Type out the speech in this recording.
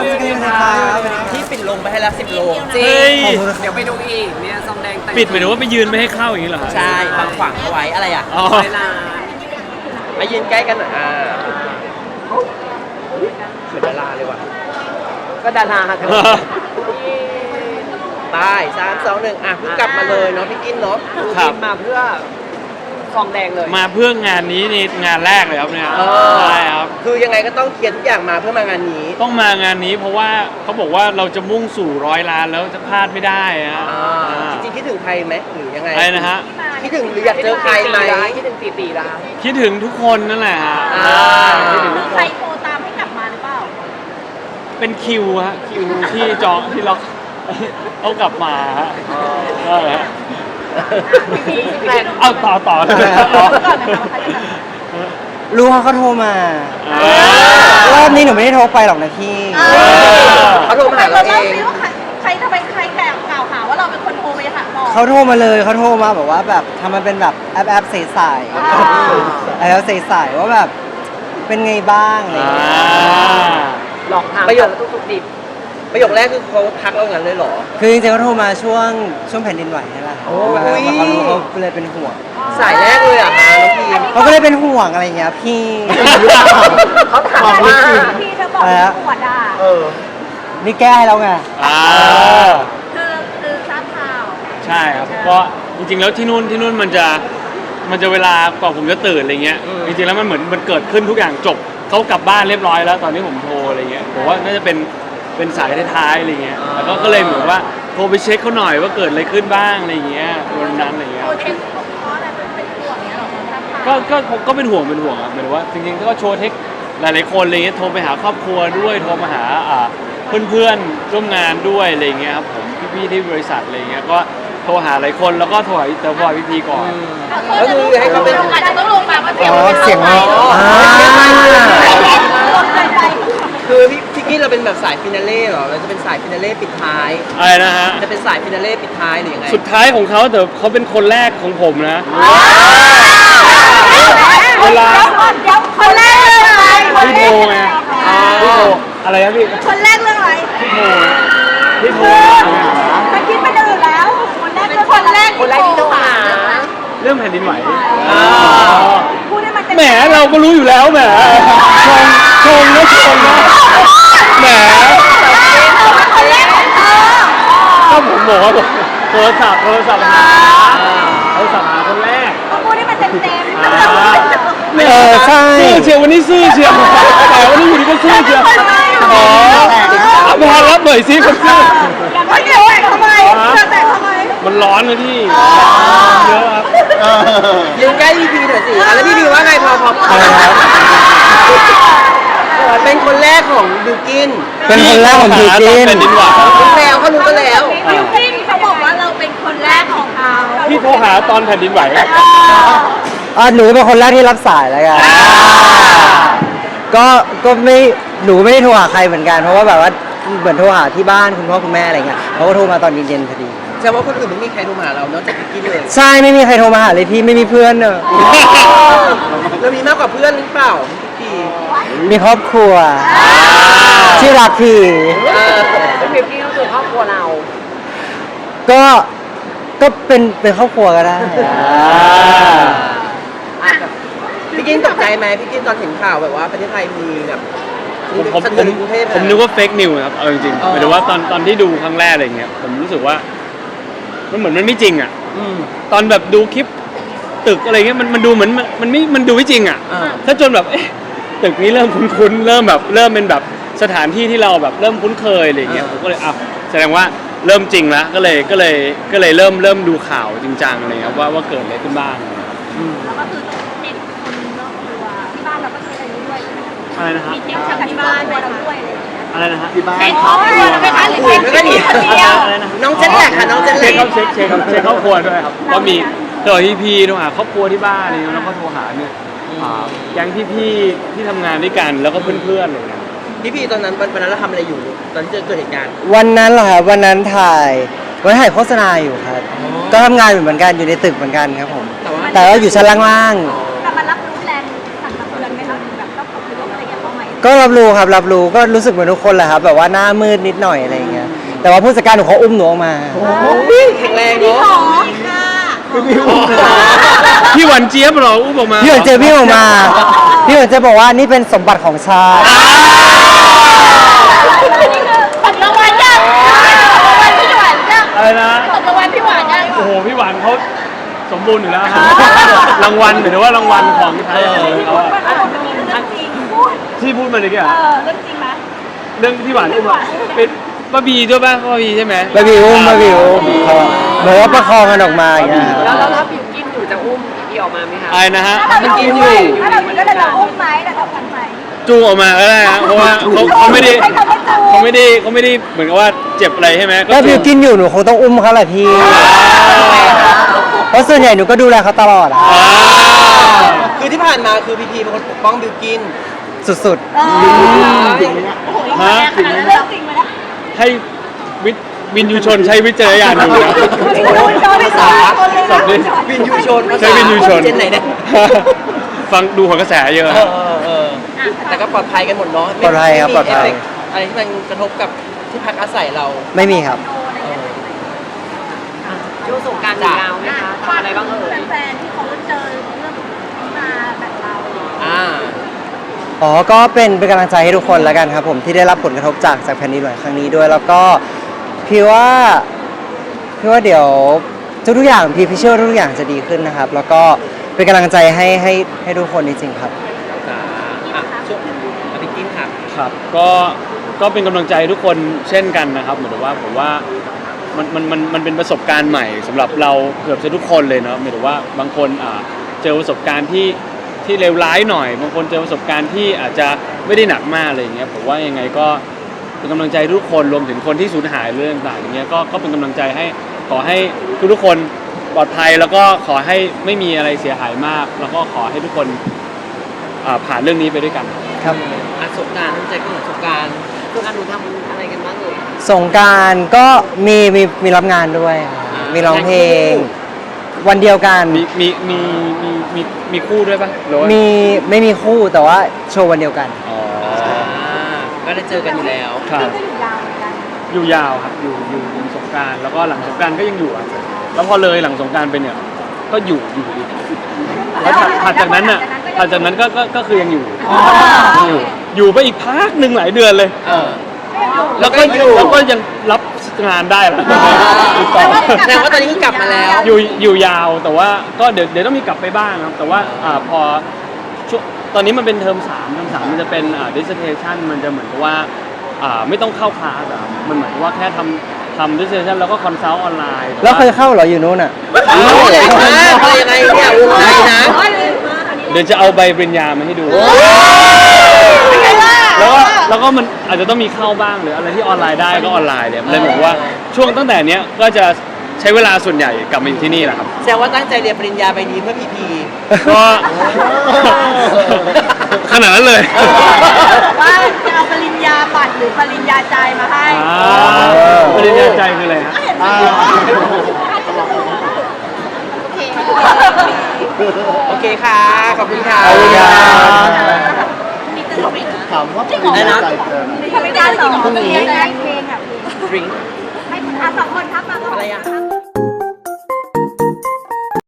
สวัสดีครับที่ปิดลงไปให้แล้ว10 โลจริงเดี๋ยวไปดูอีกเนี่ยซองแดงแต่งปิดหมายถึงว่าไปยืนไม่ให้เข้าอย่างนี้เหรอฮะใช่บางขวางเอาไว้อะไรอ่ะอ๋อเวลามายืนใกล้กันหน่อยเหมือนดาราเลยว่ะก็ดาราค่ะตาย3 2 1เพิ่งกลับมาเลยเนาะพี่กินเนาะครับมาเพื่อซองแดงเลยมาเพื่องานนี้นี่งานแรกเลยครับเนี่ยอใช่ครับคือยังไงก็ต้องเคลียร์ทุกอย่างมาเพื่อมางานนี้ต้องมางานนี้เพราะว่าเขาบอกว่าเราจะมุ่งสู่100 ล้านแล้วจะพลาดไม่ได้ฮะจริงๆคิดถึงใครไหมหรือยังไงอะไรนะฮะคิดถึงหรืออยากเจอใครไหมคิดถึงตีร้านคิดถึงทุกคนนั่นแหละฮะ คิดถึงทุกคใครนโทรตามให้กลับมาหรือเปล่าเป็นคิวฮะคิวที่จองที่เราเอากลับมาฮะก็ฮะเอาต่อเลยก่อนนะคะว่าใครจะกลับมารู้ว่าเขาโทรมาอ่ารอบนี้หนูไม่ได้โทรไปหรอกนะพี่เขาโทรมาหาเราเองว่าใครทำไมใครกล่าวหาว่าเราเป็นคนโทรไปหาหมอเขาโทรมาเลยเขาโทรมาแบบว่าแบบทำมันเป็นแบบแอปใสๆแอปใสๆว่าแบบเป็นไงบ้างอะไรอย่างเงี้ยหลอกถามประโยคทุกๆดิบประโยคแรกคือเขาทักเราอย่างนั้นเลยเหรอคือจริงๆเขาโทรมาช่วงแผ่นดินไหวนี่แหละโอ้ยแล้วเขารู้เขาเลยเป็นห่วงสายแรกเลยเหรอ่ะน้องพีมเขาก็เลยเป็นห่วงอะไรอย่างเงี้ยพี่เขาถามว่าพี่เธอบอกว่าปวดอ่ะนี่แก้ให้แล้วไงอ่าคือทราบข่าวใช่ครับก็จริงๆแล้วที่นู่นมันจะเวลากว่าผมจะตื่นอะไรเงี้ยจริงๆแล้วมันเหมือนมันเกิดขึ้นทุกอย่างจบเขากลับบ้านเรียบร้อยแล้วตอนที่ผมโทรอะไรเงี้ยผมว่าน่าจะเป็นสายท้ายๆอะไรเงี้ยแล้วก็เลยเหมือนว่าโทรไปเช็คเขาหน่อยว่าเกิดอะไรขึ้นบ้างอะไรเงี้ยวันนั้นอะไรเงี้ยโทรเช็คเพราะอะไรเป็นห่วงเนี้ยหรอทราบข่าวก็เป็นห่วงครับหมายถึงว่าจริงๆก็โชว์เทคหลายๆคนอะไรเงี้ยโทรไปหาครอบครัวด้วยโทรมาหาเพื่อนๆร่วมงานด้วยอะไรเงี้ยครับผมพี่ๆที่บริษัทอะไรเงี้ยก็โทรหาหลายคนแล้วก็โทรหาพี่ก่อนก็คือให้เขาเป็นอาจจะต้องลงมาว่าเสียงอ๋อเสียงไม่อ๋อคือพี่กี้เราเป็นแบบสายฟินาเล่เหรอเราจะเป็นสายฟินาเล่ปิดท้ายอะไรนะฮะจะเป็นสายฟินาเล่ปิดท้ายหรือยังไงสุดท้ายของเขาแต่เขาเป็นคนแรกของผมนะ เวลาเดี๋ยวคนแรกเรื่องอะไรพี่โทไงพี่โทอะไรนะพี่คนแรกเรื่องอะไรพี่โทมันคิดเป็นอื่นแล้ว คนแรกที่โทรหาเรื่องแผ่นดินไหวพูดให้มันเป็นแหมเราก็รู้อยู่แล้วแหมชงนะแหมคนแรกของเธอก็ผมบอกว่าโทรศัพท์หาคนแรกพูดให้มันเต็มใช่ซื่อเชียววันนี้ซื่อเชียวแต่วันนี้อยู่ดีก็ซื่อเชียวอ๋อพอรับหน่อยสิคนซื่อไม่เดี๋ยวทำไมแต่ทำไมมันร้อนเลยพี่เยอะครับยืนใกล้พี่พีหน่อยสิแล้วพี่พีว่าไงพออะไรครับเป็นคนแรกของบิวกินเป็นคนแรกของบิวกินแผ่นดินไหวแล้วเขารู้กันแล้วบิวกิ้นเขาบอกว่าเราเป็นคนแรกของเขาพี่โทรหาตอนแผ่นดินไหวหนูเป็นคนแรกที่รับสายแล้วกันก็ไม่หนูไม่ได้โทรหาใครเหมือนกันเพราะว่าแบบว่าเหมือนโทรหาที่บ้านคุณพ่อคุณแม่อะไรเงี้ยเขาก็โทรมาตอนเย็นๆพอดีแสดงว่าคนอื่นไม่มีใครโทรมาหาเรานอกจากบิวกินเลยใช่ไม่มีใครโทรมาหาเลยพี่ไม่มีเพื่อนเนอะเรามีมากกว่าเพื่อนหรือเปล่าพี่มีครอบครัวที่รักพี่เป็นบิวกิ้นก็คือครอบครัวเราก็เป็นครอบครัวก็ได้พี่กินตกใจไหมพี่กินตอนเห็นข่าวแบบว่าประเทศไทยมีแบบผมสะเทือนกรุงเทพนึกว่าเฟกนิวครับเอาจริงๆหมายถึงว่าตอนที่ดูครั้งแรกอะไรเงี้ยผมรู้สึกว่ามันเหมือนมันไม่จริงอ่ะตอนแบบดูคลิปตึกอะไรเงี้ยมันดูเหมือนมันดูไม่จริงอ่ะถ้าจนแบบตึกนี้เริ่มคุ้นๆเริ่มเป็นแบบสถานที่ที่เราแบบเริ่มคุ้นเคยอะไรเงี้ยผมก็เลยแสดงว่าเริ่มจริงแล้วก็เลยเริ่มดูข่าวจริงจังอะไรเงี้ยว่าเกิดอะไรขึ้นบ้างแล้วก็คือเด็กคนนอกตัวที่บ้านเราก็ใช้อะไรด้วยใช่ไหมอะไรนะครับมีเด็กจากที่บ้านตัวเราด้วยอะไรอย่างเงี้ยอะไรนะฮะเด็กครอบครัวเราไหมคะหรือเด็กแล้วก็หนีคนเดียวอะไรนะน้องเจนแหลกค่ะน้องเจนแหลเช็กคครอบครัวด้วยครับก็มีโทรพี่โทรหาครอบครัวที่บ้านอะไรเงี้ยแล้วก็โทรหาเนี่ยแก๊งพี่ที่ทำงานด้วยกันแล้วก็เพื่อนๆอะไรเงี้ยพี่พีตอนนั้นวันนั้นเราทำอะไรอยู่ตอนที่เกิดเหตุการณ์วันนั้นเหรอครับวันนั้นถ่ายโฆษณาอยู่ครับก็ทำงานอยู่เหมือนกันอยู่ในตึกเหมือนกันครับผมแต่ว่าอยู่ชั้นล่างแต่มันรับรู้แรงสั่นสะเทือนไหมคะแบบต้องขอบคุณอะไรอย่างเงี้ยเขาไหมก็รับรู้ครับรับรู้ก็รู้สึกเหมือนทุกคนแหละครับแบบว่าหน้ามืดนิดหน่อยอะไรอย่างเงี้ยแต่ว่าผู้จัดการหนูเขาอุ้มหนูออกมาแข็งแรงพี่เนาะขอค่ะพี่หวันเจี๊ยบเหรออุ้มออกมาพี่หวนเจอพี่ออกมาพี่หวนเจอบอกว่านี่เป็นสมบัติของชาติอันนี้คือปัจจุบันยังปัจจุบันพี่หวานยังอะไรนะปัจจุบันพี่หวานยังโอ้โหพี่หวานเขาสมบูรณ์อยู่แล้วครับรางวัลหรือว่ารางวัลของไทยเขาอะเรื่องจริงพูดที่พูดมาเลยกี่อะเรื่องจริงไหมเรื่องที่หวานอุ้มอะเป็นป้าบีด้วยป่ะป้าบีใช่ไหมบาบิวอุ้มเขาเหมือนว่าประคองกันออกมาอย่างเงี้ยแล้วถ้าบิวกินอยู่จะอุ้มพี่ออกมาไหมคะอะไรนะฮะถ้าเรากินอยู่ถ้าเรากินก็จะอุ้มไหมแต่ทำกันไหมจูงออกมาก็ได้ฮะเพราะว่าเขาไม่ได้ให้เขาไม่จูงเขาไม่ได้เหมือนกับว่าเจ็บอะไรใช่ไหมถ้าบิวกินอยู่หนูคงต้องอุ้มเขาแหละพี่เพราะส่วนใหญ่หนูก็ดูแลเขาตลอดอะอ่าคือที่ผ่านมาคือพีพีเป็นคนปกป้องบิวกินสุดฮะขนาดนั้นเรื่องจริงไหมนะให้วินยูชนใช้วิจารณญาณดูนะภาษาสับดิวินยูชนใช้วินยูชนเจนไหนเนี่ยฟังดูหัวกระแสเยอะแต่ก็ปลอดภัยกันหมดเนาะปลอดภัยครับปลอดภัยไม่มีเอฟเฟกต์อะไรที่มันกระทบกับที่พักอาศัยเราๆไม่มีครับช่วงสงกรารยาวไหมคะทำอะไรบ้างเอ่ยแฟนๆที่เขาเจอเรื่องนี้มาแบบเราอ่าอ๋อ ก็เป็นกำลังใจให้ทุกคนแล้วกันครับผมที่ได้รับผลกระทบจากแผ่นดินไหวครั้งนี้ด้วย แล้วก็พี่ว่าเดี๋ยวทุกๆอย่างพี่เชื่อว่าทุกอย่างจะดีขึ้นนะครับ แล้วก็เป็นกำลังใจให้ทุกคนจริงๆครับช่วงบิวกินครับครับก็เป็นกำลังใจทุกคนเช่นกันนะครับเหมือนกับว่าผมว่ามันเป็นประสบการณ์ใหม่สำหรับเราเกือบจะทุกคนเลยเนาะหมายถึงว่าบางคนเจอประสบการณ์ที่เลวร้ายหน่อยบางคนเจอประสบการณ์ที่อาจจะไม่ได้หนักมากอะไรอย่างเงี้ยผมว่ายังไงก็เป็นกำลังใจทุกคนรวมถึงคนที่สูญหายเรื่องต่างๆอย่างเงี้ยก็เป็นกำลังใจให้ขอให้ทุกๆคนปลอดภัยแล้วก็ขอให้ไม่มีอะไรเสียหายมาก แล้วก็ขอให้ทุกคนผ่านเรื่องนี้ไปด้วยกันครับสงกรารตั้งใจก็เหมือนสงกรารช่วงการหนูทำอะไรกันบ้างเอ่ยสงกรารก็มีรับงานด้วยครับมีร้องเพลง วันเดียวกันมีคู่ด้วยปะหรือว่าไม่มีคู่แต่ว่าโชว์วันเดียวกันอ๋อก็ได้เจอกันอยู่แล้วครับก็อยู่ยาวเหมือนกันอยู่ยาวครับอยู่สงกรารแล้วก็หลังสงกรารก็ยังอยู่อ่ะแล้วพอเลยหลังสงกรารไปเนี่ยก็อยู่อีกแล้วถัดจากนั้นก็คือยังอยู่ไปอีกพักหนึ่งหลายเดือนเลย แล้วก็ยังรับงานได้แหละติดต่อแสดงว่าตอนนี้คือกลับมาแล้วอยู่ยาวแต่ว่าก็เดี๋ยวต้องมีกลับไปบ้างครับแต่ว่าพอช่วงตอนนี้มันเป็นเทอม3มันจะเป็นdissertation มันจะเหมือนกับว่าไม่ต้องเข้าคลาสอะมันเหมือนกับว่าแค่ทำ dissertation แล้วก็ consult ออนไลน์แล้วเคยเข้าเหรออยู่นู้นอ่ะใหญ่มากอะไรยังไงเนี่ยวงในนะเดี๋ยวจะเอาใบปริญญามาให้ดู แล้วก็มันอาจจะต้องมีเข้าบ้างหรืออะไรที่ออนไลน์ได้ก็ออนไลน์เลยเหมือนว่าช่วงตั้งแต่เนี้ยก็จะใช้เวลาส่วนใหญ่กลับมาอยู่ที่นี่แหละครับแสดงว่าตั้งใจเรียนปริญญาใบนี้เพื่อพีพีก็ ขนาดนั้นเลยว่าจะเอาปริญญาบัตรหรือปริญญาใจมาให้ปริญญาใจคืออะไรฮะโอเคค่ะ ขอบคุณค่ะขอบคุณครับถามว่าเป็นอะไรนะใจเกินไม่ใช่ไม่ได้หรอเพลงอ่ะดริงให้คุณอาสองคนทักมาก่อนอะไรอ่ะ